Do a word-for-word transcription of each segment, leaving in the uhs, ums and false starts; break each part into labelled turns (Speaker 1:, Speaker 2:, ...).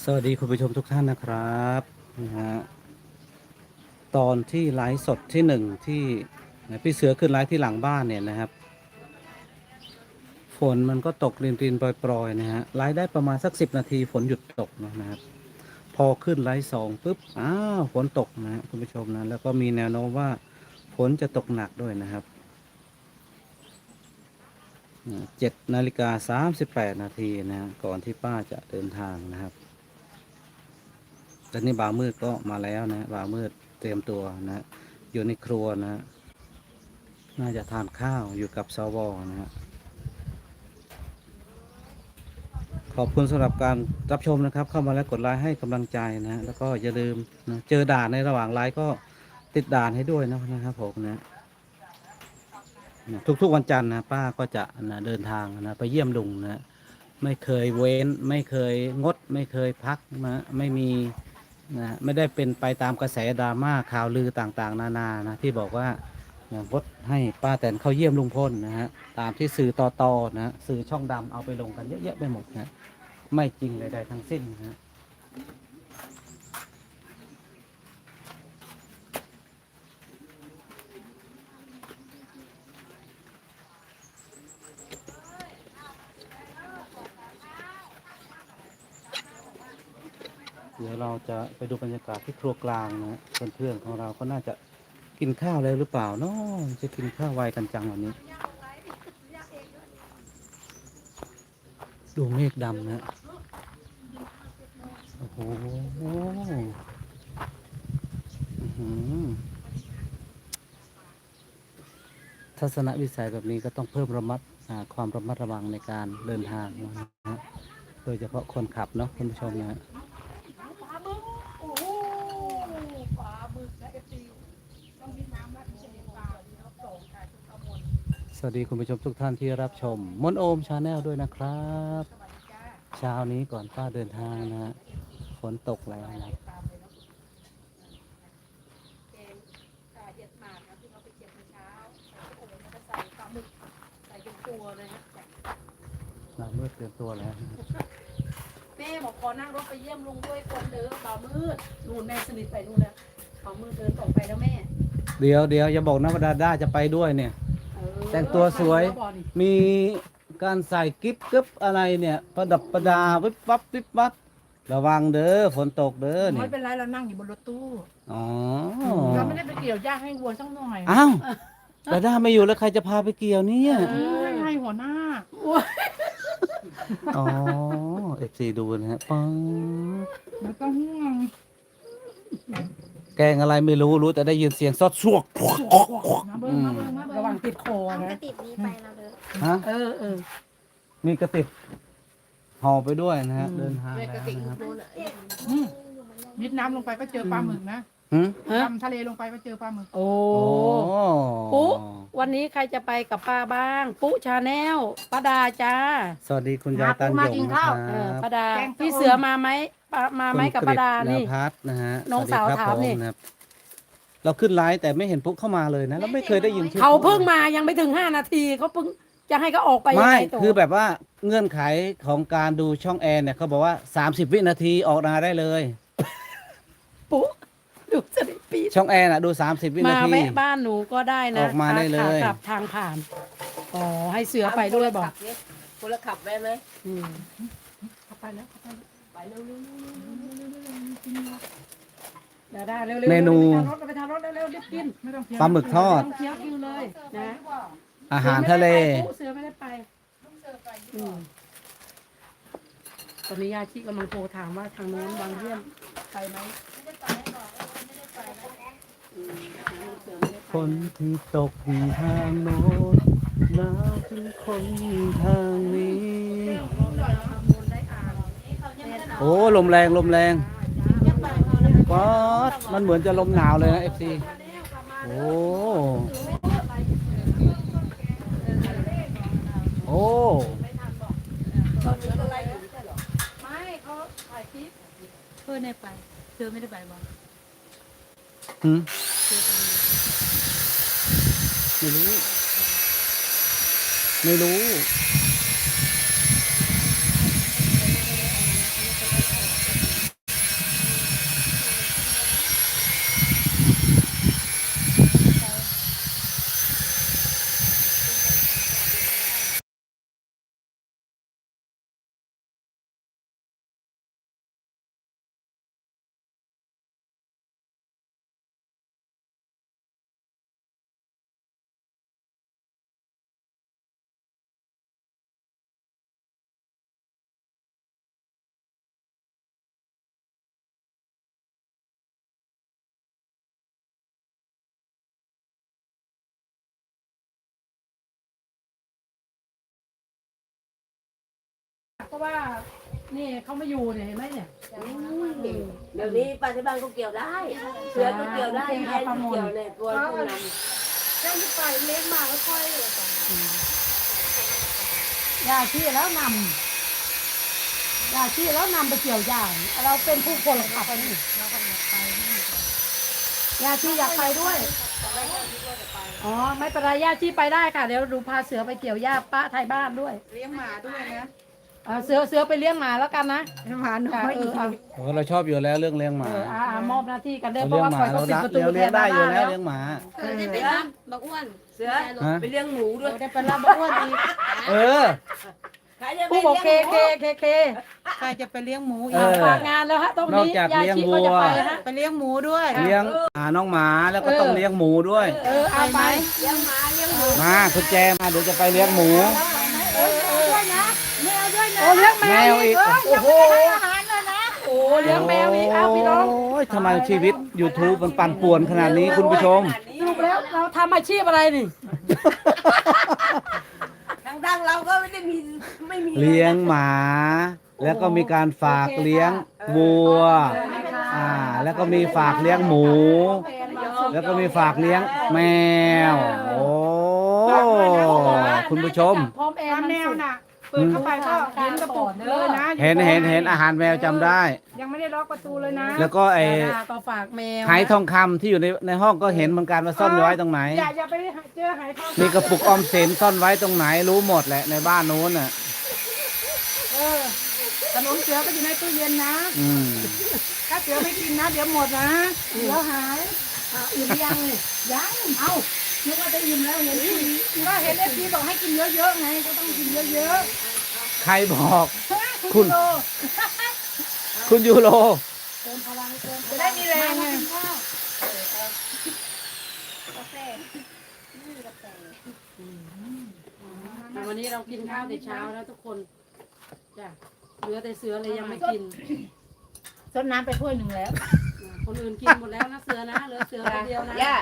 Speaker 1: สวัสดีคุณผู้ชมทุกท่านนะครับนะฮะตอนที่ไลฟ์สดที่หนึ่งที่พี่เสือขึ้นไลฟ์ที่หลังบ้านเนี่ยนะครับฝนมันก็ตกรินๆปรอยๆนะฮะไลฟ์ได้ประมาณสักสิบนาทีฝนหยุดตกนะครับพอขึ้นไลฟ์สองปุ๊บอ้าวฝนตกนะฮะคุณผู้ชมนะแล้วก็มีแนวโน้มว่าฝนจะตกหนักด้วยนะครับเจ็ดนาฬิกาสามสิบแปดนาทีนะฮะก่อนที่ป้าจะเดินทางนะครับและนี่บ่าวมืดก็มาแล้วนะบ่าวมืดเตรียมตัวนะอยู่ในครัวนะน่าจะทานข้าวอยู่กับสวนะฮะขอบคุณสำหรับการรับชมนะครับเข้ามาแล้วกดไลค์ให้กำลังใจนะแล้วก็อย่าลืมนะเจอด่านในระหว่างไลฟ์ก็ติดด่านให้ด้วยนะครับผมนะทุกๆวันจันทร์นะป้าก็จะนะเดินทางนะไปเยี่ยมลุงนะไม่เคยเว้นไม่เคยงดไม่เคยพักนะไม่มี นะไม่ได้เป็นไปตามกระแสดราม่าข่าวลือต่างๆนานานะที่บอกว่าอย่างพดให้ป้าแตนเข้าเยี่ยมลุงพลนะฮะตามที่สื่อต่อๆนะสื่อช่องดำเอาไปลงกันเยอะแยะไปหมดนะไม่จริงใดๆทั้งสิ้นนะฮะเดี๋ยวเราจะไปดูบรรยากาศที่ครัวกลางนะเพื่อนๆของเราก็น่าจะกินข้าวแล้วหรือเปล่าเนาะจะกินข้าวไวกันจังวันนี้ดูเมฆดำนะโอ้โหอื้อหือ ทัศนวิสัยแบบนี้ก็ต้องเพิ่มระมัดอ่าความระมัดระวังในการเดินทางนะฮะโดยเฉพาะคนขับเนาะคุณผู้ชมนะฮะ
Speaker 2: ปลาบึ้งโอ้โหปลาบึกและเอฟซีต้องมีน้ำและเชนปลาที่เขาส่งค่ะทุกขมวล
Speaker 1: สวัสดีคุณผู้ชมทุกท่านที่รับชมมนโอมชาแนลด้วยนะครับ
Speaker 2: สวัสดีจ้า
Speaker 1: เช้านี้ก่อนป้าเดินทางนะฮะฝนตกแล้วนะ
Speaker 2: ตามเลยเนาะแกงปลาเห็ดหมากนะที่เขาไปเก็บเมื่อเช้าโอ้โหแล้วก็ใส่ปลาหมึกใส่เป็นตัวเลยนะ
Speaker 1: เราเมื่อเตรียมตัวแล้วนะ
Speaker 2: แม่บอกขอนั่งรถไปเยี่ยมลุงด้วยคนเด้อบ่าวมืดนู่นแม่สนิทไปนู่นแล้วบ่าวมืดเดินต่อไปแล้วแม่
Speaker 1: เดี๋ยวเดี๋ยวอย่าบอกนะว่าดาด้าจะไปด้วยเนี่ย
Speaker 2: เออ
Speaker 1: แต่งตัวสวย
Speaker 2: แล้วบอกนี่
Speaker 1: มีการใส่กิ๊บกึ๊บอะไรเนี่ยประดับประดาวิบวับวิบวับระวังเด้อฝนตกเด้อ
Speaker 2: ไม่
Speaker 1: นี่
Speaker 2: เป็นไรเรานั่งอยู่บนรถตู้
Speaker 1: อ๋อ
Speaker 2: เราไม่ได้ไปเกี่ยวหญ้าให้วัวสักหน่อย
Speaker 1: อ้าวดาด้าไม่อยู่แล้วใครจะพาไปเกี่ยวเนี่ย
Speaker 2: เออให้หัวหน้า
Speaker 1: อ๋อเอฟซีดูนะฮะปัง
Speaker 2: ไม่ต้องห่วง
Speaker 1: แกงอะไรไม่รู้รู้แต่ได้ยินเสียงซอดซวก
Speaker 2: มาเบิ้งมาเบิ้งมาเบิ้งระวังติดคอ
Speaker 3: เอาก
Speaker 2: นะ
Speaker 3: ระติบนี้ไปนะเด้อ
Speaker 1: ฮะ
Speaker 2: เออเออ
Speaker 1: มีกระติบห่อไปด้วยนะฮะเดินทาง
Speaker 3: เว
Speaker 1: แล้
Speaker 3: กระ
Speaker 1: ว
Speaker 3: ติก
Speaker 1: นะครับ
Speaker 3: นู่นอ่ะ
Speaker 2: อืมยิดน้ำลงไปก็เจอปลาหมึกนะ
Speaker 1: หืม
Speaker 2: ดำทะเลลงไปก็เจอปลาหมึก
Speaker 4: โอ้
Speaker 1: โอ้
Speaker 4: ปุ๊วันนี้ใครจะไปกับป้าบ้าง ปุ๊ชาแนลป้าดาจ้า
Speaker 1: สวัสดีคุณยายตันหยงนะครั
Speaker 4: เออบ ป้าดา
Speaker 2: แกงส้ม
Speaker 4: พี่เสือมาไหมป้ามาไหมกับป้าดา
Speaker 1: คุณกฤษ
Speaker 4: นี่
Speaker 1: ณพัฒน์นะฮะ
Speaker 4: น้องสาว
Speaker 1: วัดีครับ
Speaker 4: ถามนี่
Speaker 1: ผนะครับเราขึ้นไลฟ์แต่ไม่เห็นปุ๊กเข้ามาเลยนะแล้วไม่เคยได้ยินชื่อ
Speaker 4: เขาเพิ่งมายังไม่ถึงห้านาทีเขาเพิ่งจะให้เขาออกไปยัง
Speaker 1: ไม่
Speaker 4: ไงตัว
Speaker 1: คือแบบว่าเงื่อนไขของการดูช่องแอนเนี่ยเขาบอกว่าสามสิบวินาทีออกนาได้เลย
Speaker 4: ปุ๊ดูสนิทปีด
Speaker 1: ช่องแอนอ่ะดูสามสิบวินา
Speaker 4: มา
Speaker 1: ที
Speaker 4: แวะบ้านหนูก็ได้นะ
Speaker 1: ออกมาได้เลย
Speaker 4: ขากลับทางผ่านอ๋อให้เสือไปด้วยบอก
Speaker 3: คนละขับได้ไหม
Speaker 4: อืม
Speaker 2: เข้าไปแล้วเข้าไปแล้ว
Speaker 3: ไปเร็ว
Speaker 4: ดาดาเร็วๆ
Speaker 1: เมนู
Speaker 4: ไปทางรถไปทางรถเร็วๆรีบกิน
Speaker 2: ไม่ต้องเคี้ยว
Speaker 1: ปลาหมึกทอด
Speaker 4: ต้องเคี้ยวคิวเลยนะ
Speaker 1: อาหารทะเล
Speaker 4: เสือไม่ได้ไปอืมตอนนี้ยาชีกำลังโทรถามว่าทางโน้นบางเยี่ยมไปไหมอืมเสือไม่ได้ไป
Speaker 1: คนที่ตกที่ทางโน้นหนาวถึงคนทางนี้ โอ้ลมแรงลมแรงป๊อดมันเหมือนจะลมหนาวเลยนะเอฟซีโอ้โอ้
Speaker 4: ไม่เขาถ่ายคลิปเพื่อนได้ไปเธอไม่ได้ไปบอล
Speaker 1: หืมไม่รู้ ไม่รู้
Speaker 4: เพราะว่านี่เขามาอยู่เนี่ยเห็นไหมเนี่ย
Speaker 3: เดี๋ยวนี้ป้าที่บ้านก็เกี่ยวได้ เสือก็เกี่ยวได้แค่เกี่ยวเนี่ยตัวพวกนั้น
Speaker 2: เรื่องที่ไปเลี้ยงมาแล้วค่อย
Speaker 4: ยาชีแล้วนำยาชีแล้วนำไปเกี่ยวหญ้าเราเป็นผู้คนขับไปนี่ยาชีอยากไปด้วยอ๋อไม่เป็นไรยาชีไปได้ค่ะเดี๋ยวดูพาเสือไปเกี่ยวหญ้าป้าไทยบ้านด้วย
Speaker 2: เลี้ยงหมาด้วยนะ
Speaker 4: เออเสือเสือไปเลี้ยงหมาแล้วกันนะ
Speaker 2: หมาน้อย
Speaker 4: เออเอา
Speaker 1: โอ้เราชอบอยู่แล้วเรื่องเลี้ยงห
Speaker 4: เอ
Speaker 1: มา
Speaker 4: ออ่าอ่ามอบหน้าที่กันเด้อ
Speaker 1: เรา
Speaker 4: เพ
Speaker 1: เลี้
Speaker 4: ราะ
Speaker 1: ยง
Speaker 4: ว่า
Speaker 1: ห
Speaker 4: ค
Speaker 1: มา
Speaker 4: อยเขา
Speaker 1: เรา
Speaker 4: ปิด
Speaker 1: ละ
Speaker 4: ประตู
Speaker 1: เรา
Speaker 4: แท
Speaker 1: เลี้ยง
Speaker 4: น
Speaker 1: ได้
Speaker 4: บ้า
Speaker 1: อยู่
Speaker 4: น
Speaker 1: แล้ว
Speaker 4: แล้ว
Speaker 1: เลี้ยงหมา
Speaker 3: เสือได้ไปรับบักอ้วน เสือ
Speaker 1: ฮะ
Speaker 3: ไปเลี้ยงหมูด้วย
Speaker 4: ได้เป็นรับอ้วนอีก
Speaker 3: ใครจะไป
Speaker 4: ผู้บอกเค
Speaker 3: เลี้ยงห
Speaker 4: เค
Speaker 3: มู
Speaker 4: เคเค
Speaker 2: ใครจะไปเลี้ยงหมู
Speaker 1: เอ
Speaker 2: อีก
Speaker 1: อ
Speaker 4: ฝากงานแล้วฮะตรง
Speaker 1: นอก
Speaker 4: นี้
Speaker 1: จาก
Speaker 4: ยา
Speaker 1: เลี้ยง
Speaker 4: ชีก็จะ
Speaker 1: วัว
Speaker 4: ไปนะฮะ
Speaker 2: ไปเลี้ยงหมูด้วย
Speaker 1: เลี้ยงหาน้องหมาแล้วก็ต้องเลี้ยงหมูด้วย
Speaker 4: เออเอาไป
Speaker 3: เลี้ยงหมาเลี้ยงหมู
Speaker 1: มาคุณแจมาเดี๋ยวจะไปเลี้ยงหมู
Speaker 4: เออเออด้วยนะแมวด้วยนะโอ้เลี้ยงแม
Speaker 1: แม
Speaker 4: ว
Speaker 1: ว
Speaker 4: อี
Speaker 1: อี
Speaker 4: ก
Speaker 1: ก
Speaker 4: โอ้โหอาหารเลยนะโอ้เลี้ยงแมวอีกอ้าวพี่น้อง
Speaker 1: โอ้ยทำไมชีวิต YouTube มันปั่นป่วนขนาดนี้คุณผู้ชม
Speaker 4: สรุปแล้วเราทำอาชีพอะไรนี่
Speaker 3: ทางดังเราก็ไม่ได้มีไม่มี
Speaker 1: เลี้ยงหมา แล้วก็มีการฝากเลี้ยงวัว อ่า แล้วก็มีฝากเลี้ยงหมู แล้วก็มีฝากเลี้ยงแมว โอ้คุณผู้ชม
Speaker 4: พร้อมแอ
Speaker 2: ตาม
Speaker 4: ร์
Speaker 2: แนวน่ะเปิดเข้าไปก็เห็นกระปุกเลยนะ
Speaker 1: เห็นเห็นเห็นอาหารแมวจำได้
Speaker 2: ยังไม่ได้ล็อกประตูเลยนะ
Speaker 1: แล้วก็ไอ้
Speaker 4: ดาก็ฝากแมว
Speaker 1: ไหทองคำที่อยู่ในในห้องก็เห็นเหมือนกันว่าซ่อนไว้ตรงไหน
Speaker 2: อย่าอย่าไปเจอหายทอง
Speaker 1: มีกระปุกออมสินซ่อนไว้ตรงไหนรู้หมดแหละในบ้านนู้นน่ะ
Speaker 2: เออขนมเสือก็อยู่ในตู้เย็นนะ
Speaker 1: อืม
Speaker 2: ถ้าเสือไม่กินนะเดี๋ยวหมดนะเสือหาย
Speaker 4: อ่ะอิ่มหรือยังนี่
Speaker 2: ยัง
Speaker 4: เอ้านึกว่าจะอิ่มแล้วเห็นคุย
Speaker 2: ก็เห็นเอฟซีบอกให้กินเยอะๆไงก็ต้องกินเยอะ
Speaker 1: ใครบอก
Speaker 2: ๆ
Speaker 1: คุณ
Speaker 2: โล
Speaker 1: คุณยูโร
Speaker 4: เติมพลังเติม
Speaker 2: จะได้มีแรงไง
Speaker 4: แต่วันนี้เรากินข้าวแต่เช้าแล้วทุกคนจ้ะเหลือแต่เสือเลยยังไม่กิน
Speaker 2: ซดน้ำไปถ้วยหนึ่งแล้ว
Speaker 4: คนอื่นกินหมดแล้วนะเสือนะเหลือเสือคนเดียวนะ
Speaker 3: ย่า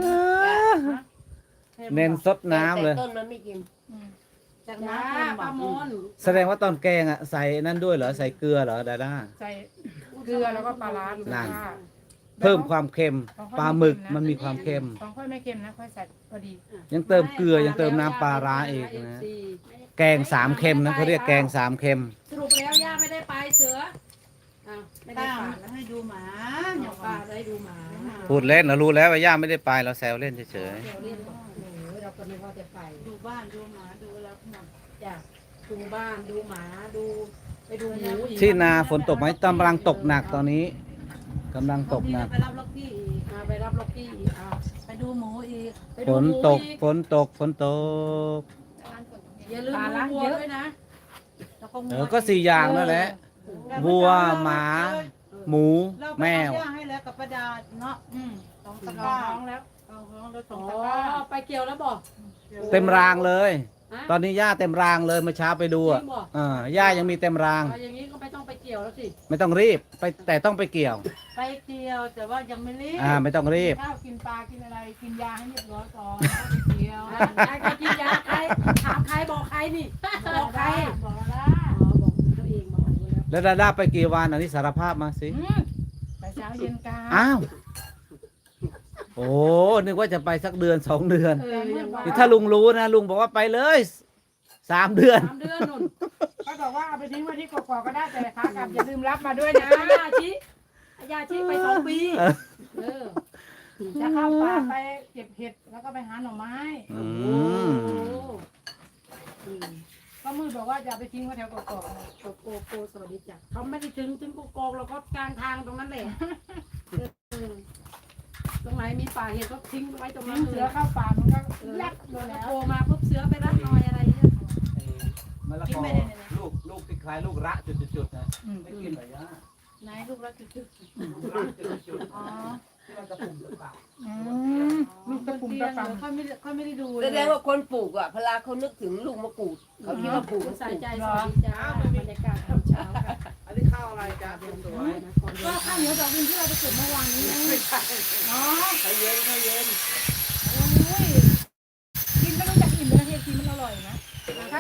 Speaker 1: เน้นซดน้ำเลย
Speaker 3: แต่ต้นมันไม่กิน
Speaker 2: จาก
Speaker 4: จ้า
Speaker 2: น้ำเค็ม
Speaker 4: ป้ามน
Speaker 1: แสดงว่าตอนแกงอ่ะใส่นั่นด้วยเหรอใส่เกลือเหรอดาด้า
Speaker 2: ใส่เกลือแล้วก็ปลาร้าดู
Speaker 1: นั่น
Speaker 2: ค่ะ
Speaker 1: เพิ่มความเค็มปลาหมึกมันมีความเค็ม
Speaker 2: ของค่อยไม่เค็มนะค่อยใส่พอดี
Speaker 1: ยังเติมเกลือยังเติมน้ำปลาร้าอีกนะ แกงสามเค็มนะเขาเรียกแกงสามเค็ม
Speaker 4: สรุปแล้วย่าไม่ได้ไปเสืออ้าวไม่ได้
Speaker 2: ป้า
Speaker 4: ไป
Speaker 2: ให้ดูหมา
Speaker 4: เดี๋ยวป้าได้ดูหมา
Speaker 1: พูดเล่นเรารู้แล้วว่าย่าไม่ได้ไปเราแซวเล่นเฉย
Speaker 4: เดี๋ยวเรียนบอกโอ้โหเราก็นึกว่าจะไป
Speaker 2: ดูบ้านดูหมาดูแล้วหมด
Speaker 4: จ้ะดูบ้านดูหมาดูไปดูหมูอีก
Speaker 1: ๆที่นาฝนตกไหมกำลังตกหนักตอนนี้กำลังตกหนัก
Speaker 2: ไปรับล็อกกี้อีก
Speaker 4: มาไปรับล็อกกี้อีกอ้าว
Speaker 2: ไปดูหมูอีก
Speaker 4: ไป
Speaker 1: ฝ
Speaker 4: ดู
Speaker 1: น
Speaker 4: หมู
Speaker 1: ตก
Speaker 4: อีก
Speaker 1: ฝนตกฝนตก
Speaker 4: อย่าลืมดูวัวด้วยนะ
Speaker 2: แล้วก็
Speaker 1: เออก็สี่อย่างนั่นแหละวัวหมา หมู แมว
Speaker 2: ย่างให้แล้วกับประดาเนาะอืมสองตะก
Speaker 4: ท้
Speaker 2: ร้า
Speaker 4: องแล้ว
Speaker 2: เอาของแล้วส
Speaker 4: อ๋
Speaker 2: อ
Speaker 4: อง
Speaker 2: ตะกร้า
Speaker 4: ไปเกี่ยวแล้วบอก
Speaker 1: เต็มรางเลย
Speaker 4: ฮะ
Speaker 1: ตอนนี้ย่าเต็มรางเลยเมื่อเช้าไปดูอ่ะ
Speaker 4: จริงเหรอ
Speaker 1: เออย่ายังมีเต็มราง
Speaker 4: เอาอย่างนี้ก็ไม่ต้องไปเกี่ยวแล้วสิ
Speaker 1: ไม่ต้องรีบไปแต่ต้องไปเกี่ยว
Speaker 2: ไปเกี่ยวแต่ว่ายังไม่รีบ
Speaker 1: อ่าไม่ต้องรีบ
Speaker 2: ข้าวกินปลากินอะไรกินยาให้เรียบร้อยก่อนแล้วไปเกี่ยว
Speaker 4: อ่าใครกินยาใครถามใครบอกใครนี่บอกใคร
Speaker 2: บอกแล้ว
Speaker 4: อ๋อบอกตัวเองบอกแล้ว
Speaker 1: แล้วดาด้าไปกี่วันอันนี้สารภาพมาสิ
Speaker 2: อืมไปเช้าเย็นกลาง
Speaker 1: อ้าวโอ้นึกว่าจะไปสักเดือนสองเดือน
Speaker 4: เออยังว่า
Speaker 1: นี่ถ้าลุงรู้นะลุงบอกว่าไปเลยสามเดือน
Speaker 4: สามเดือนนุ่น
Speaker 2: ก็บอกว่าเอาไปทิ้งไว้ที่กอกๆก็ได้แต่ขากลับอย่าลืมรับมาด้วยนะ
Speaker 4: ยาชิยาชิไปสองปี
Speaker 1: เออ
Speaker 4: เออ
Speaker 2: จะเข้าป่าไปเก็บเห็ดแล้วก็ไปหาหน่อไม้
Speaker 1: อื
Speaker 4: โอ้
Speaker 1: ม
Speaker 4: อืม
Speaker 2: ก็มือบอกว่าอย่าไปทิ้งไว้แถวกอกๆนะ
Speaker 4: โกโกโกสวัสดีจ้ะเขาไม่ได้ถึงถึงโกโกเราก็กลางทางตรงนั้นแหละเออตรงไหนมีป่าเห็ดก็ทิ้งไว้ตรงนั้น
Speaker 2: ทิ้ง
Speaker 4: เล
Speaker 2: เสื
Speaker 4: ย
Speaker 2: อเข้าป่ามันก็
Speaker 4: เออ
Speaker 2: ยักเลยแล้ว
Speaker 4: โทรมาปุ๊บเสือไปรับหน่อยอะไรเงี้ย
Speaker 1: มะละกอลูกลูกที่คล้ายลูกระจุดๆๆนะ
Speaker 2: อืม
Speaker 1: ไม่กินเหรอย่า
Speaker 2: ไหนลูกรักจุด
Speaker 1: ลูกระจุด
Speaker 2: ๆอ๋อ
Speaker 1: ๆที่มันกระปุ่มกระปับ
Speaker 2: อืมลูกตะปุ่มตะปัง
Speaker 3: ค่อยไม่ค่อยไม่ได้ดูแสดงว่าคนปลูกอ่ะพลาเขานึกถึงลูกมะกรูดเขาคิดว่าปลูก
Speaker 4: ใส่ใจสวัสดีจ้าบรรยากาศตอนเช้าค่ะ
Speaker 1: อันนี้ข้าวอะไรจ้าเป็นตัว
Speaker 4: นะคนเดี
Speaker 2: ก็
Speaker 4: ยว
Speaker 2: ข้าวเหนียวดอกดินที่เราไปเก็บเมื่อวานนี้ไงอ๋อ
Speaker 3: เขาเย็นเขาเย็น
Speaker 2: โอ้ยกินไม่รู้จักอิ่มเลยนะเฮียกินมันอร่อยนะถ้าถ้าเรา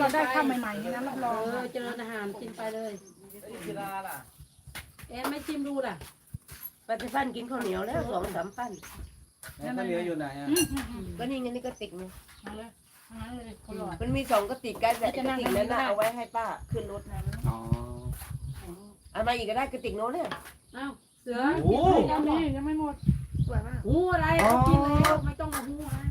Speaker 2: เราได้ข้าวใหม่ๆนี่นะรับร
Speaker 4: เอ
Speaker 2: อง
Speaker 4: อเจริญอาหารกินไปเลย
Speaker 1: กีฬาล่ะ
Speaker 4: แอนไม่ชิมดูล่ะ
Speaker 3: ปฏิพันธ์กินข้าวเหนียวแล้วสองสามปั้น
Speaker 1: แล้วข้าวเหนียวอยู่ไหนอ่ะ
Speaker 3: ก็นี่ไงนี่กระติกนึง
Speaker 2: เอาเลยเอาเลยคนหล่อ
Speaker 3: มันมีสองกระติกกันแต่กระติกนั้นน่ะเอาไว้ให้ป้าขึ้นรถนะ
Speaker 1: อ๋อ
Speaker 3: เอามาอีกก็ได้กระติกโน้นเนี่ย
Speaker 4: เอ้าเสือ
Speaker 1: โอ้
Speaker 2: ยังมียังไม่หมดสวยมาก
Speaker 4: หูอะไรเอากินแล้วไม่ต้องมาหูนะ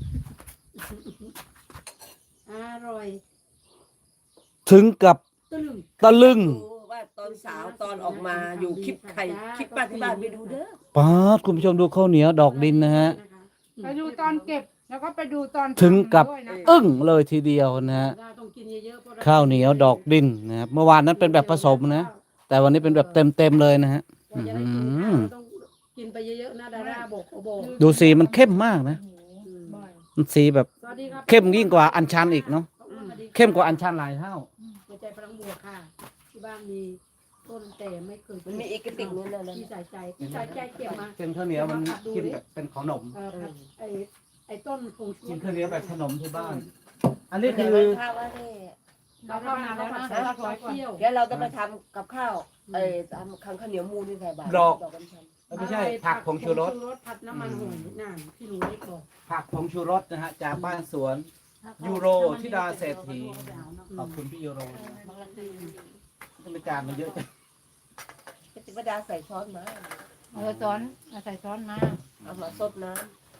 Speaker 4: อร่อย
Speaker 1: ถึงกับ
Speaker 4: ตึ้ง
Speaker 1: ตะลึง
Speaker 3: ดูว่าตอนสาวตอนออกมาอยู่คลิปใครคลิปป้าที่บ้านไปดูเด้อ
Speaker 1: ป๊าดคุณผู้ชมดูข้าวเหนียวดอกดินนะฮะ
Speaker 2: ไปดูตอนเก็บแล้วก็ไปดูตอน
Speaker 1: ถึงกับ
Speaker 2: ด้วยนะ
Speaker 1: อึ้งเลยทีเดียวนะฮะ
Speaker 4: ต้องกินเยอะๆพระ
Speaker 1: ข้าวเหนียวดอกดินนะครับเมื่อวานนั้นเป็นแบบผสมนะ แต่วันนี้เป็นแบบเต็มเต็มๆเลยนะฮะ
Speaker 4: กว่าจะได้กินข้าวเราต้องกินไปเยอะๆนะดาราบอกโอโบ
Speaker 1: ดูสีมันเข้มมากนะ
Speaker 2: โอ้โหบ่อย
Speaker 1: มันสีแบบ
Speaker 4: สวัสดีครับ
Speaker 1: เข้มยิ่งกว่าอัญชันอีกเนาะ
Speaker 4: สวัสดีครับ
Speaker 1: เข้มกว่าอัญชันหลายเท่า
Speaker 4: หัวใจพลังบวกค่ะ ที่บ้านมีต้นแต่ไม่เคย
Speaker 3: มันมีอีกกระติกนึงนั่น
Speaker 4: ที่ใส่ใจที่ใส่ใจเก็บมา
Speaker 1: เป็นข้าวเหนียวมันกินแบบเป็นขนม
Speaker 4: เออผัดไอ้ไอ้ต้นผงชู
Speaker 1: กิน
Speaker 4: รส
Speaker 1: ข้าวเหนียวแบบขนมที่บ้าน อันนี้
Speaker 3: นี่
Speaker 1: คื
Speaker 3: คือ
Speaker 1: อ
Speaker 3: ข้าวว่านี่
Speaker 4: เราเข้านานแล้วนะเราขอเที่ยว
Speaker 3: เดี๋ยวเราต้องไปทำกับข้าวเอ้ยทำข้าวเหนียวมูนที่ใส่บาตร
Speaker 1: ดอก
Speaker 3: ดอกกัญชัน
Speaker 1: ไม่ใช่ผักผงชูรส
Speaker 4: ผัดน้ำมันหอยน่นพี่หนูเล็กบอก
Speaker 1: ผักผงชูรสนะฮะจากบ้านสวน ยูโรธิดาเศรษฐี ขอบคุณพี่ยูโรทำไมจานมันเยอะจัง
Speaker 3: กติกดาใส่ช้อนมา
Speaker 2: เออซ้อนเอาใส่ซ้อนมา
Speaker 3: เอามาซดน้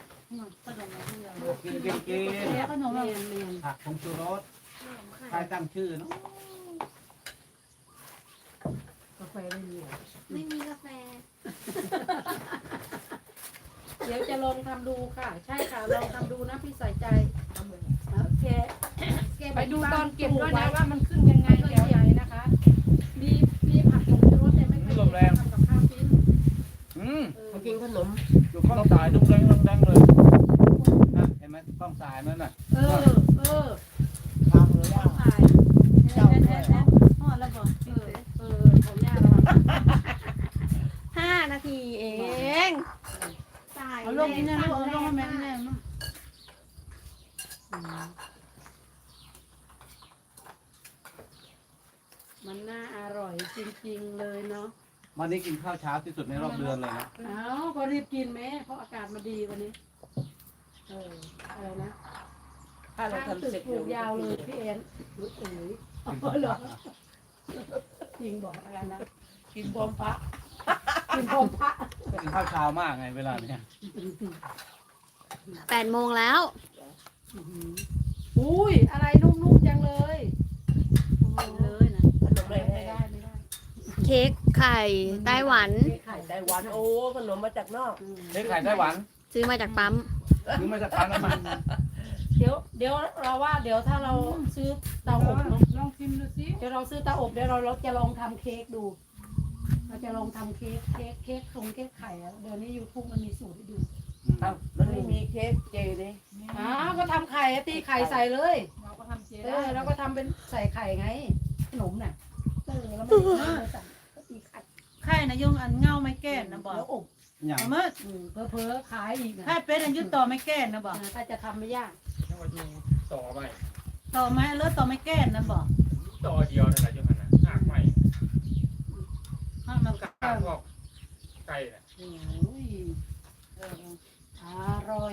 Speaker 1: กินกินกิน
Speaker 2: เดี๋ยวขนม
Speaker 4: เมี
Speaker 2: เรา
Speaker 4: ยนเมียน
Speaker 1: ผักผงชูรสใครตั้งชื่อเนาะ
Speaker 4: กาแฟไม่มี
Speaker 5: ไม่มีกาแฟ
Speaker 4: เดี๋ยวจะลองทำดูค่ะ ใช่ค่ะลองทำดูนะพี่ใส่ใจโอเค
Speaker 2: ไปดูตอนเก็บด้วยนะว่ามันขึ้นยังไงแถวไหนนะคะ
Speaker 4: มีมีผักผงชูรสแต่ไม่เคยทำกับข้าวกิน
Speaker 1: อืม
Speaker 3: ำมากินขนม
Speaker 1: อยู่ข้องสายดุ้งแดงดุ้งแดงเลยนะเห็นไหมข้องสายนั่นน่ะ
Speaker 4: เออเออ
Speaker 3: ทางเลยย่า
Speaker 4: ถ่าย
Speaker 3: เจ้าด้วย
Speaker 5: พ่อแล้วบอก
Speaker 4: เออเออของย่าเรา
Speaker 5: ห้านาทีเอง ตาย
Speaker 2: เอาลงนี่นะลูกเอาลงให้แม่แม่
Speaker 4: มันน่าอร่อยจริงๆเลยเนาะ
Speaker 1: วันนี้กินข้าวเช้าที่สุดในรอบเดือนเลยนะ
Speaker 4: เอาก็รีบกินไหมเพราะอากาศมันดีวันนี้ เอออะไรนะ
Speaker 3: ถ้าเรา
Speaker 4: ข้าง
Speaker 3: ทำ
Speaker 4: ตึก
Speaker 3: เสร็จ
Speaker 4: ปลูกยาวเลยพี่เอ็นรู้เอ๋ยอ๋อเหรอจริงบอกอะไรนะ
Speaker 3: กินพร้อมพระ
Speaker 4: กินพร้อมพระ
Speaker 1: กินข้าวเช้ามากไงเวลาเนี้ย
Speaker 5: แปดโมงแล้ว
Speaker 4: อุ้ยอะไรนุ่มๆจังเลยเลยนะ
Speaker 3: ขนมอะไร
Speaker 4: ไม่
Speaker 3: ไม่
Speaker 4: ได้
Speaker 3: ได้
Speaker 4: ไม่ได้
Speaker 5: เค้กไข่ไต้หวัน
Speaker 4: ไข่
Speaker 3: ไต้หวันโอ้ขนมมาจากนอก
Speaker 1: เฮ้ยไข่ไต้หวัน
Speaker 5: ซื้อมาจากปั๊ม
Speaker 1: หรือมาจากปั๊มน้ำมัน
Speaker 4: เดี๋ยวเดี๋ยวเราว่าเดี๋ยวถ้าเราซื้อเตาอบเนาะ
Speaker 2: ลองชิมดูสิ
Speaker 4: เดี๋ยวเราซื้อเตาอบเดี๋ยวเราเราจะลองทำเค้กดู เราจะลองทำเค้กเค้กเค้กทรงเค้กไข่อะเดี๋ยวนี้ยูทูบมันมีสูตรให้ดู
Speaker 3: อ้าวมันไม่มีเค้กเจเลย
Speaker 4: อ้าวก็ทำไข่อะตีไข่ใส่เลย
Speaker 2: เราก็ทำเจ
Speaker 4: เอ
Speaker 2: ได้
Speaker 4: อแล้วก็ทำเป็นใส่ไข่ไงขนมน่ะเออแล้วไม่ได้ไม่ใส่ก็ตีไข่
Speaker 6: ไข่นะยงอันเงาไม่แก่นนะบอก
Speaker 4: แล้วอบ
Speaker 1: อย่าง
Speaker 6: เอามื่อ
Speaker 4: อืมเผลอๆขายอีกนะ
Speaker 6: ไข่เป็ดอันยุดต่อไม่แก่นนะบอก
Speaker 4: เออถ้าจะทำไม่ยาก
Speaker 7: ต่อไป
Speaker 6: ต่อไม้เลือดต่อไม่แก่นนะบอก
Speaker 7: ต่อเดียวนั่นแหละจังหันน่ะหากใหม่
Speaker 6: ห้ามมันกั
Speaker 7: กาพวกไก่น่ะ
Speaker 4: โอ้ยเอออร่อย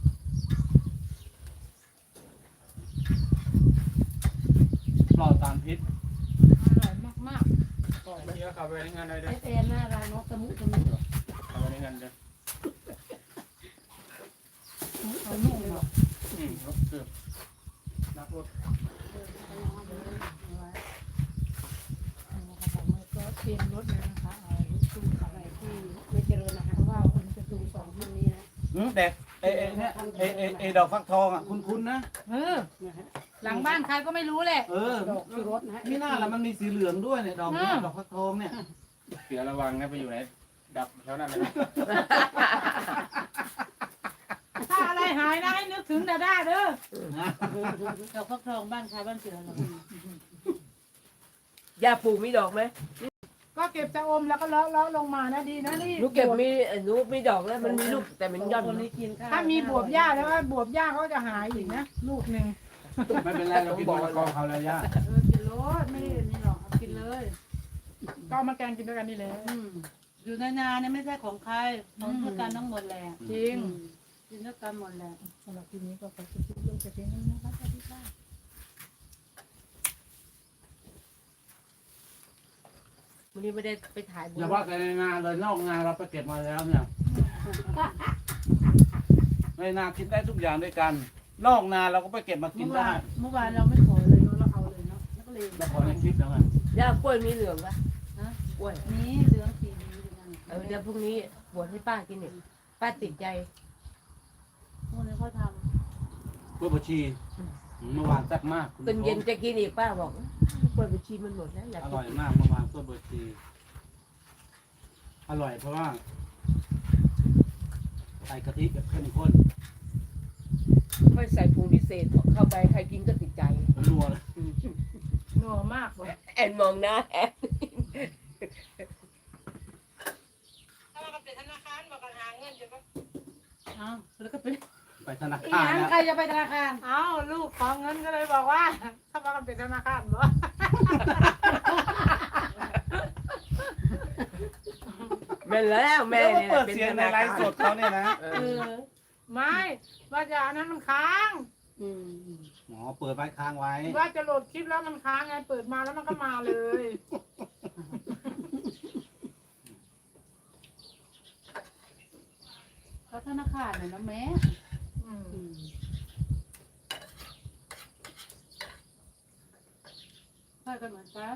Speaker 1: ปลอดสารพิษ
Speaker 2: อร่อยมาก
Speaker 7: เมื่อกี้ก็เข้าไปในงานได้
Speaker 4: เอ
Speaker 7: เด้อ
Speaker 4: ฟเอ็นหน้าร้านนกตะมุตะมุ
Speaker 7: เข้าไปในงานเด้อ
Speaker 2: ๆเอานุ่มเลย
Speaker 7: อืมรถเกือบนักรถ
Speaker 2: ก็เตรียมรถเลยนะคะเอาตู้
Speaker 4: อะไรที่ไม่เจริญนะคะว่าคนจะดูสองคนนี้นะ
Speaker 1: อืมเด็กเอเอเนี่ยเอเอเอดอกฟักทองอ่ะคุณคุณนะ
Speaker 2: เออ
Speaker 4: นะฮะ
Speaker 2: หลังบ้านใครก็ไม่รู้แหละ
Speaker 1: เออ
Speaker 4: ดอกชูรสนะฮะ
Speaker 1: ไม่น่าละมันมีสีเหลืองด้วยเนี่ยดอกเนี่ยดอกฟักทองเนี่ย
Speaker 7: เสือระวังนะไปอยู่ไหนดับแถวนั้นนะ
Speaker 2: ถ้าอะไรหายนะให้นึกถึงดาด้าเด้อ
Speaker 6: ดอกฟักทองบ้านใครบ้านเสือเรา
Speaker 3: ย่าปลูกมีดอกไหม
Speaker 2: ก็เก็บจะอมแล้วก็เลาะเลาะลงมานะดีนะนี่
Speaker 3: หนูเก็บมีเอ่อหนูมีดอกแล้วมันมีลูกแต่มันย่อน
Speaker 4: คนนี้กินข้าว
Speaker 2: ถ้ามีบวบหญ้าแล้วว่าบวบหญ้าเขาจะหายอีกนะลูกหนึ่ง
Speaker 1: ไม่เป็นไรเรากินมะละกอเขาแล้วย่า
Speaker 4: เออกินรสไม่ได้นี่หรอกเอากินเลย
Speaker 2: ก็เอามาแกงกินด้วยกันนี่แหละ
Speaker 4: อืม
Speaker 6: อยู่ในนาเนี่ยไม่ใช่ของใครของทุกการทั้งหมดแหละ
Speaker 2: จริง
Speaker 6: กินด้วยกันหมดแหละ
Speaker 2: สำหรับทีนี้ก็ขอคิดลงแต่เพียงนี้นะคะสวัสดีค่ะ
Speaker 3: วันนี้ไม่ได้ไปถ่ายบุญ
Speaker 1: อย่าว่าแต่ในนาเลยนอกนาเราไปเก็บมาแล้วเนี่ยในนากินได้ทุกอย่างด้วยกัน นอกนาเราก็ไปเก็บมากิ
Speaker 6: เมื่
Speaker 1: น
Speaker 6: อ
Speaker 1: ได้
Speaker 6: วานเมื่อวานเราไม่ขอเลยเนาะเราเอาเลยเนาะแล้วก็เลย
Speaker 1: แล้วพอในคลิปแล้วไง
Speaker 3: ย่ากล้วยมีเหลืองปะ
Speaker 6: ฮะ
Speaker 3: กล้วย
Speaker 6: นี่เหลืองสีนี้อยู่นั่น
Speaker 3: เออเดี๋ยวพรุ่งนี้บวชให้ป้ากินเนี่ยป้าติดใจ
Speaker 6: พวกนี้เขาท
Speaker 1: กล้วยบวชชีเมื่อวานแซ่บมากคุณ
Speaker 3: ตอนเย็นจะกินอีกป้าบอกกล้วยบวชชีมันหมดแล้วอยาก
Speaker 1: อ
Speaker 3: กิน
Speaker 1: ร่อยมากเมื่อวานกล้วยบวชชีอร่อยเพราะว่าใส่กะทิแบบเข้มข้น
Speaker 3: ไม่ใส่ปรุงพิเศษเข้าไปใครกินก็ติดใจ
Speaker 1: นัวเลย
Speaker 2: นัวมากเลย
Speaker 3: แอนมองหน้าแอน
Speaker 4: ถ้าเราเป็นธนาคารบอกกันหาเงินจะก็
Speaker 6: ำอ้าวแล้วก็ไป
Speaker 1: ไปธนา
Speaker 4: อี
Speaker 1: คาร
Speaker 4: หยัง
Speaker 1: นะ
Speaker 4: ใครจะไปธนาคาร
Speaker 2: เอ้าลูกของเงินก็เลยบอกว่า ถ้ามากันเป็นธนาคารเหรอ
Speaker 3: แม่แล้วแม่
Speaker 1: แล้วก็
Speaker 3: เนี่ย
Speaker 1: เปิดเสียงในไลฟ์สดเขาเนี่ยนะ
Speaker 3: เอ
Speaker 6: เอ
Speaker 3: อ
Speaker 6: อ
Speaker 2: ไม่ว่าจะอันนั้นมันค้าง
Speaker 3: อืม
Speaker 1: หมอเปิดไว้ค้างไว้
Speaker 2: ว่าจะโหลดคลิปแล้วมันค้างไงเปิดมาแล้วมันก็มาเลย
Speaker 6: เขาธนาคารเนี่ยนะแม่
Speaker 2: อืม
Speaker 6: อืมค่อยกันเหมือนกัน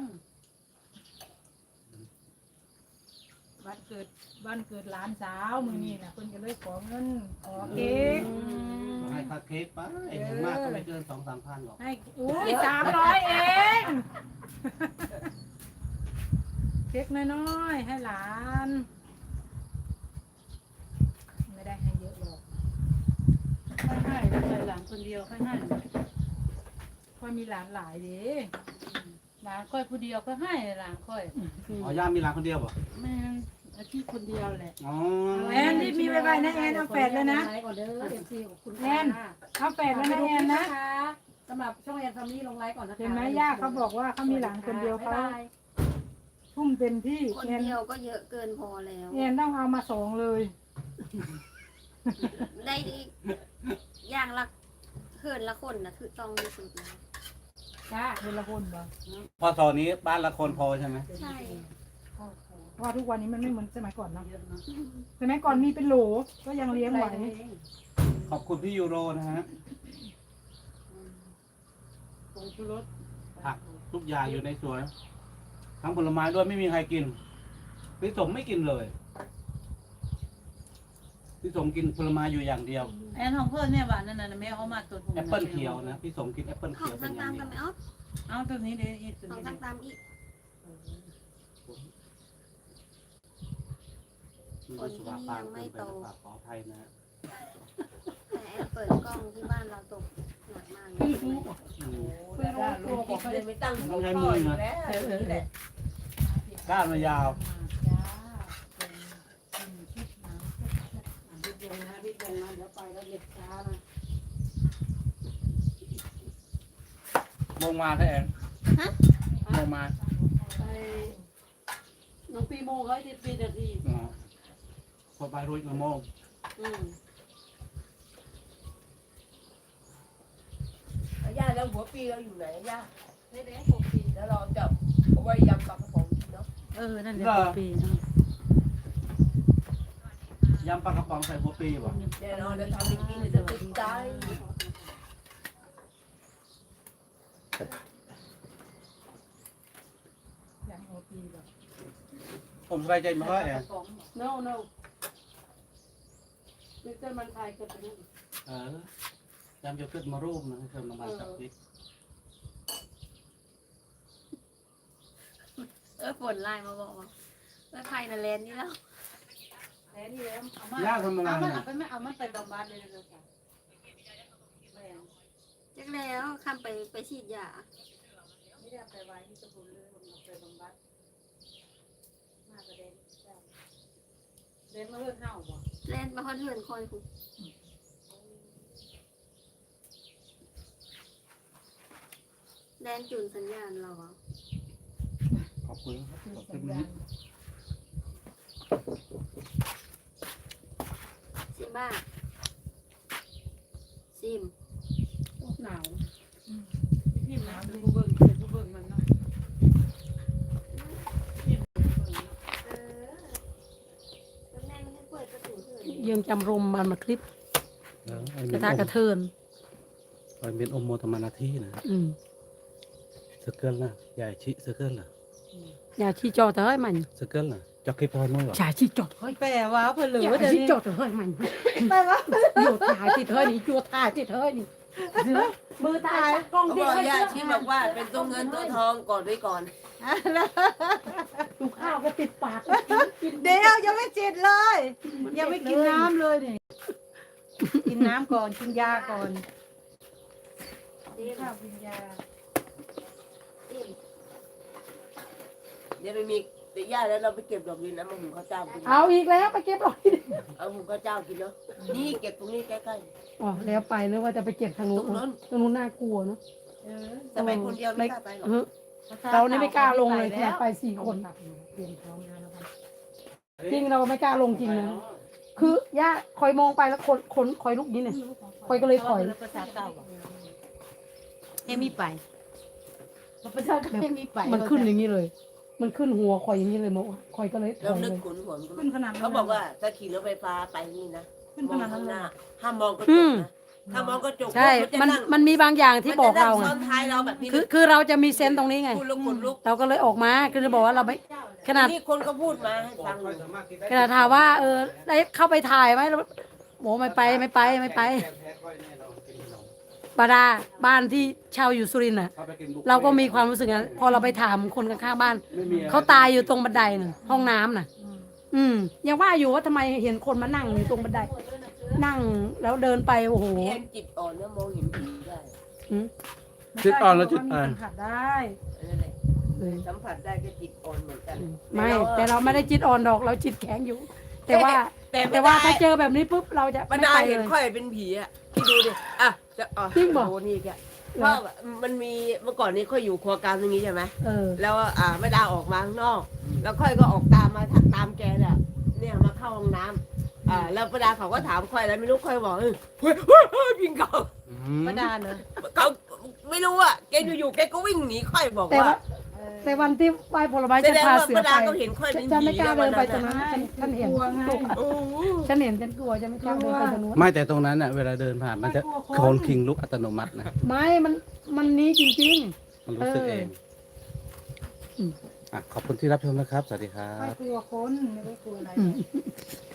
Speaker 2: วันเกิดวันเกิดหลานสาวมือนี่นะคนก็เลยขอเงินขอเค้ก
Speaker 1: ให้ค่าเค้กไปอย่างมากก็ไม่เกินสองสามพันหรอก
Speaker 2: ให้อุ้ยสามร้อยเองเค้กน้อยๆให้หลาน ไม่ได้ให้เยอะหรอก
Speaker 6: ค่อยให้แล้วใจหลานคนเดียวค่อยให้
Speaker 2: เพราะมีหลานหลายเด้
Speaker 6: หลานค่อยผู้เดียวก็ให้หลานค่อย
Speaker 1: อ๋อย่ามีร้านคนเดียวเหรอ
Speaker 6: แม่นอาชีพคนเดียวแหละ
Speaker 1: อ๋อ
Speaker 2: แอนนี่มีไว้ๆนะแอนเอาแปดเลยนะ
Speaker 4: ไลค์ก่อนเด้อเอฟซีของคุณ
Speaker 2: แอนเอาแปดแล้วนะแอนนะ
Speaker 4: สำหรับช่องแอนฟามี่ลงไลค์ก่อนนะคะ
Speaker 2: เห็นไหมย่าเขาบอกว่าเขามีหลานคนเดียวเขาทุ่มเต็มที่
Speaker 5: คน
Speaker 2: แอน
Speaker 5: เดียวก็เยอะเกินพอแล้ว
Speaker 2: แอนต้องเอามาสองเลย
Speaker 5: ได้อีกอย่างละเขินละคนนะคือต้องที่สุดแล้ว
Speaker 2: จ้าเดือนละคนบ่
Speaker 1: พอตอนนี้บ้านละคนพอใช่ไหม
Speaker 5: ใช่
Speaker 2: เพราะว่าทุกวันนี้มันไม่เหมือนสมัยก่อนเนาะ
Speaker 6: เยอะเนาะ
Speaker 2: สมัยก่อนมีเป็นโหลก็ยังเลี้ยงไหว
Speaker 1: ขอบคุณพี่ยูโรนะฮะ
Speaker 6: ผงชูรส
Speaker 1: ผักทุกอย่างอยู่ในสวน ทั้งผลไม้ด้วยไม่มีใครกิน พี่สมไม่กินเลย พี่สมกินผลไม้อยู่อย่างเดียว
Speaker 6: แอนของเพื่อนเนี่ยหวานนั่นน่ะแม่เอามาตัวถุง
Speaker 1: แอปเปิลเขียวนะ พี่สมกินแอปเปิล
Speaker 5: ขอ
Speaker 1: เขี
Speaker 5: ง
Speaker 1: ยวเป็
Speaker 5: ต่าน ง
Speaker 1: อย่าง
Speaker 5: ตาม
Speaker 1: เดียว
Speaker 5: กันไหมอ๊อฟ
Speaker 6: เอาตัวนี้เดี๋ยวอีกตัว
Speaker 5: ของ
Speaker 6: นี้
Speaker 5: ต่างตามอีก
Speaker 1: มีสุขภาพเกินไปหรือเปล่าขออภัยนะฮะ
Speaker 5: แต่แอนเปิดกล้องที่บ้านเราตกหนักมากเลย
Speaker 1: อืม
Speaker 3: เพื่อนรู้ตัวเขาเลยไม่ตั้ง
Speaker 1: ต้องใช้มือนะ
Speaker 3: แล้วนี่แหละ
Speaker 1: ก้านมายาว
Speaker 6: จ้าเป็นเป็นชุดน้ำ
Speaker 4: รีบลงนะรีบลงนะเดี๋ยวไปแล้วเด็ดช้านะ
Speaker 1: มงมาแท้แอนมงมา
Speaker 4: ไปน้องปีโมเขาให้ปีนาที
Speaker 1: อ๋อคนไปรุ่ยมะม่วง
Speaker 4: อืม
Speaker 3: ย่าแล้วหัวปีเราอยู่ไหนย่า
Speaker 4: เด็กๆหกปี
Speaker 3: แล้วเราจะเอาไว้ยำปลากระป๋องกินเนาะ
Speaker 6: เออนั่นแหละตัวปีเนาะ
Speaker 1: ยำปลากระป๋องใส่หัวปีวะ
Speaker 3: แน่นอนเราทำให้กินจะติดใจ
Speaker 2: อย่างโอปีแบบ
Speaker 1: ผมสบายใจมากแอน
Speaker 4: โน่โน่นี่เจ้ามันไทยกันไปนั่น
Speaker 1: เออยำจะขึ้นมารูปนะเชิญมาบานกับพริก
Speaker 5: เออฝนไลน์มาบอกว่าว่าไทยนาแลนด์นี่แล้ว
Speaker 4: แล้วนี่แล้ว
Speaker 6: เอามา
Speaker 1: ย่าทำอะไร
Speaker 6: เอามา
Speaker 1: เนี่ย
Speaker 6: เอาไปไม่เอามันไปบำบัดเลยเลยค่ะแม่
Speaker 5: จักแล้วคำไปไปฉีดยา
Speaker 6: ไม่ได้เอาไปไว้ที่สมุนเลยผมเอาไปบำบัดมากระเด็นจ้ะเด็นมาเลือดเห่าบ่
Speaker 5: แลนด์มาคอนเทิร์นคอยคุณแดนจุนสัญญาณเราอะ
Speaker 7: ขอบคุณครับขอบคุณนะ
Speaker 5: ซิมบ้าซิม
Speaker 4: หนาว
Speaker 6: พี่น้ำเป็นผู้เบิ่งเป็นผู้เบิ่งมันเนาะ
Speaker 5: เออแล้วแม่ไม่ได้เปิดประตูเถิด
Speaker 4: ยังจำรมมันมาคลิป
Speaker 1: เออไอ้
Speaker 4: ก
Speaker 1: เม็
Speaker 4: ระ
Speaker 1: น
Speaker 4: ทะ
Speaker 1: อม
Speaker 4: กระเทิน
Speaker 1: ไอ้เม็นอมโมธรรมนาที่นะ
Speaker 4: อืม
Speaker 1: สเกิลนะใหญ่ชิสเกิลนะ
Speaker 4: อย่าชี้จอดเฮ้ยมัน
Speaker 1: สเกิลนะจอกคีพอยมั้งหรอ
Speaker 4: อย่าชี้จอดเฮ้ย
Speaker 6: แปลว่าเพิ่นเหลื
Speaker 4: อย่า
Speaker 6: อเดี๋ยว
Speaker 4: ชี้
Speaker 6: นี้
Speaker 4: จอดเฮ้ยมัน
Speaker 6: แปลว่า
Speaker 4: โยถ่ายติดเฮ้ยนี่โยถ่ายติดเฮ้ยนี่เสือมือถ่ายกล้อง
Speaker 3: เขา
Speaker 4: ติ
Speaker 3: บ
Speaker 4: ด
Speaker 3: อก
Speaker 4: เฮ้ย
Speaker 3: ย่า
Speaker 4: เสือ
Speaker 3: ชี้บอกว่าเป็นตัวเงินตัวทองก่อนด้วยก่อน
Speaker 4: ดูข้าวก็ติดปากกิน
Speaker 6: เดี๋ยวยังไม่จิตเลย ยังไม่กินน้ำเลยนี่กินน้ำก่อนกินยาก่อน
Speaker 5: ซิม
Speaker 6: ข้าวกินยา
Speaker 5: ซิม
Speaker 3: เดี๋ยวไม่มีเดี๋ยวย่าแล้วเราไปเก็บดอกดินนะมาหุงข้าวเจ้ากิน
Speaker 4: เอาอีกแล้วไปเก็บหรอก
Speaker 3: เอาหุงข้าวเจ้ากินเนาะนี่เก็บตรงนี้ใกล้
Speaker 4: อ๋อแล้วไปหรือว่าจะไปเก็บทาง
Speaker 3: ๆ
Speaker 4: นู้
Speaker 3: ต
Speaker 4: น
Speaker 3: รงนั้น
Speaker 4: ทางนู้นน่ากลัวเนาะ
Speaker 6: เออ
Speaker 3: แต่ไปคนเดียวไม่กล้าไปหรอก
Speaker 4: เออเรานี่ไม่กล้าลงเลยขนาดไปสี่คน
Speaker 6: เตรียมพร้อมแล้วนะครับ
Speaker 4: จริงเราไม่กล้าลงจริงนะคือย่าคอยมองไปแล้วคนคนคอยลุกนี้เนี่ยคอยก็เลยถอย
Speaker 6: ภาษาเก่าเอมี่ไปภาษาเก่าเอมี่ไป
Speaker 4: มันขึ้นอย่างนี้เลย มันขึ้นหัวคอยอย่างนี้เลยมองคอยก็เลยถ
Speaker 3: แล้ว
Speaker 4: อย
Speaker 3: นึ
Speaker 4: เล
Speaker 3: ก
Speaker 4: ย
Speaker 3: ขุนหัวมันก็
Speaker 6: ขึ้นขนาดนั้น
Speaker 3: เขาบอกว่าถ้าขี่รถไฟฟ้าไปนี่นะ
Speaker 6: ขึ้น
Speaker 3: ม
Speaker 6: ข
Speaker 3: อง
Speaker 6: นาดนั้
Speaker 3: ข้าน ง
Speaker 6: เล
Speaker 3: ห
Speaker 6: ย
Speaker 3: น้าห้ามมองกระจ
Speaker 4: อื
Speaker 3: ก
Speaker 4: ม
Speaker 3: นะถ้ามองกระจก
Speaker 4: ใช่
Speaker 3: ปุ๊บ
Speaker 4: มัน
Speaker 3: จะง
Speaker 4: มันมีบางอย่างที่บอกเรา
Speaker 3: มันจะนั่งซ้
Speaker 4: ไง
Speaker 3: อนท้ายเราแบบนี้
Speaker 4: คือคือเราจะมีเซนส์ตรงนี้ไง
Speaker 3: พูดแล้วขนลุก
Speaker 4: เราก็เลยออกมาคือจะบอกว่าเราไม่ขนาด
Speaker 3: นี่คนก็พูดมาให้ฟังอยู่
Speaker 4: ขนาดถามว่า เออได้เข้าไปถ่ายไหมเราโหไม่ไปไม่ไปไม่ไปบาดาบ้านที่เช่าอยู่สุรินทร์น่ะ เราก็มีความรู้สึกนั้นพอเราไปถามคนข้างๆบ้าน เขาตายอยู่ตรงบันไดน่ะห้องน้ำน่ะ อืมยังว่าอยู่ว่าทำไมเห็นคนมานั่งอยู่ตรงบันได นั่งแล้วเดินไปโอ้โห
Speaker 3: พี่แอนจิตอ่อนนะมองเห็นผีได้
Speaker 4: อืม
Speaker 1: จิตอ่อนแล้วจิตอ่อน
Speaker 6: สัมผัสได้
Speaker 3: นั่นแหละสัมผัสได้ก็จิตอ่อนเหมือนกัน
Speaker 4: ไม่แต่เราไม่ได้จิตอ่อนดอกเราจิตแข็งอยู่ แต่ว่า
Speaker 3: แต่
Speaker 4: แต่ว่าถ้าเจอแบบนี้ปุ๊บเราจะ
Speaker 3: บร
Speaker 4: ไม่
Speaker 3: รดา
Speaker 4: ไป
Speaker 3: เห็
Speaker 4: เล
Speaker 3: น
Speaker 4: ย
Speaker 3: ค่อยเป็นผีอ่ะที่ดูดิอ่ะจะอ๋อ
Speaker 4: จริงบอก
Speaker 3: โอ้นี่แกเพราะมันมีเมื่อก่อนนี้ค่อยอยู่ครัวกลางตรงนี้ใช่ไหม
Speaker 4: เออ
Speaker 3: แล้วอ่าแม่ดาออกมาข้างนอก แล้วค่อยก็ออกตามมาตามแกเนี่ยเนี่ยมาเข้าห้องน้ำอ่าแล้วแม่ดาเขาก็ถามค่อยแล้วไม่รู้ค่อยบอกเออเฮ้ยเฮ้ยเฮ้ยพิงเขา
Speaker 6: ประดาเนอะ
Speaker 3: เขาไม่รู้อ่ะแกอยู่ๆแกก็วิ่งหนีค่อยบอก
Speaker 4: แต่
Speaker 3: ว่า
Speaker 4: ว่าแต่วันที่ไหว้ผลไม้
Speaker 3: แส
Speaker 4: จะ
Speaker 3: ดง
Speaker 4: พา
Speaker 3: ว่า
Speaker 4: เสือ
Speaker 3: แม่
Speaker 4: ไป
Speaker 3: ดาก็เห็นค่อยเป็น
Speaker 4: ฉัน
Speaker 3: ผี
Speaker 4: ไม่กล้า
Speaker 3: แล้ว
Speaker 4: เดิ
Speaker 3: วัน น
Speaker 4: ไป
Speaker 3: นั้น
Speaker 4: ตรงนั้น
Speaker 3: น่ะ
Speaker 4: ฉันฉันเห็น
Speaker 6: กลัวไง
Speaker 3: โอ้โห
Speaker 4: ฉันเห็นฉันกลัวฉันไม่กล้าเดินไปตรงนู้น
Speaker 1: ไม่แต่ตรงนั้นน่ะเวลาเดินผ่านมันจะโคนคิงลุกอัตโนมัตินะ
Speaker 4: ไม่มันมันนี้จริง
Speaker 1: มันรู้สึกเอง
Speaker 4: อืม
Speaker 1: อ่ะขอบคุณที่รับชมนะครับ สวัสดีครั
Speaker 6: ไม่
Speaker 1: บ
Speaker 6: กลัวคนไม่ได้กลัวอะไร
Speaker 4: ๆอืม